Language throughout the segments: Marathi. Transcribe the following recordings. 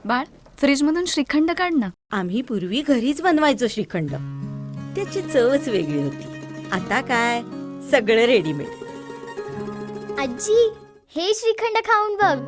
बाळ, फ्रीजमधून श्रीखंड काढ ना. आम्ही पूर्वी घरीच बनवायचो श्रीखंड. त्याची चवच वेगळी होती. आता काय सगळं रेडीमेड. आजी, हे श्रीखंड खाऊन बघ.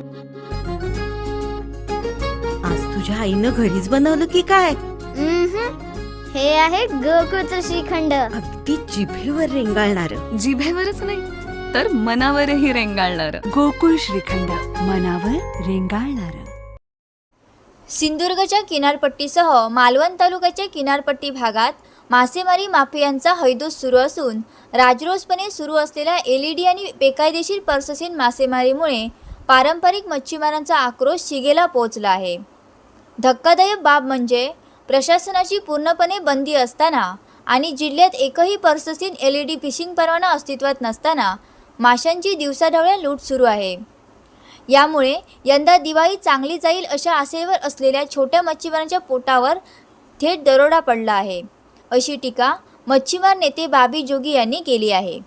आज तुझ्या आईनं घरीच बनवलं की काय? हे आहे गोकुळचं श्रीखंड. अगदी जिभेवर रेंगाळणार. जिभेवरच नाही तर मनावरही रेंगाळणार. गोकुळ श्रीखंड, मनावर रेंगाळणार. सिंधुदुर्गच्या किनारपट्टीसह मालवण तालुक्याच्या किनारपट्टी भागात मासेमारी माफियांचा हैदोस सुरू असून राजरोसपणे सुरू असलेल्या LED आणि बेकायदेशीर पर्ससीन मासेमारीमुळे पारंपरिक मच्छीमारांचा आक्रोश शिगेला पोहोचला आहे. धक्कादायक बाब म्हणजे प्रशासनाची पूर्णपणे बंदी असताना आणि जिल्ह्यात एकही पर्ससीन LED फिशिंग परवाना अस्तित्वात नसताना माशांची दिवसाढवळ्या लूट सुरू आहे. यामुळे यंदा दिवाळी चांगली जाईल अशा आशेवर असलेल्या छोट्या मच्छीमारांच्या पोटावर थेट दरोडा पडला आहे, अशी टीका मच्छीमार नेते बाबी जोगी यांनी केली आहे.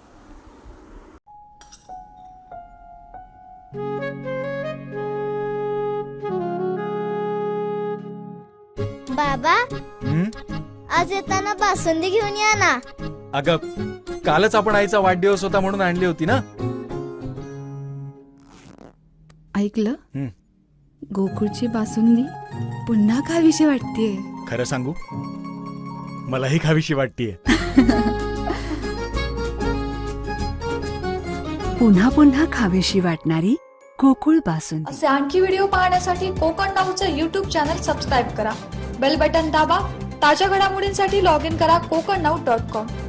बाबा, आज येताना बासुंदी घेऊन या ना. अगं, कालच आपण आईचा वाढदिवस होता म्हणून आणली होती ना. ऐकलं? गोकुळची बासुंदी पुन्हा खावीशी वाटतेय. खरं सांगू, मलाही खावीशी वाटतेय. पुन्हा पुन्हा खावीशी वाटणारी गोकुळ बासुंदी. असे आणखी व्हिडिओ पाहण्यासाठी कोकण नाऊचं YouTube चॅनल सबस्क्राईब करा. बेल बटन दाबा. ताज्या घडामोडींसाठी लॉग इन करा kokarnaut.com.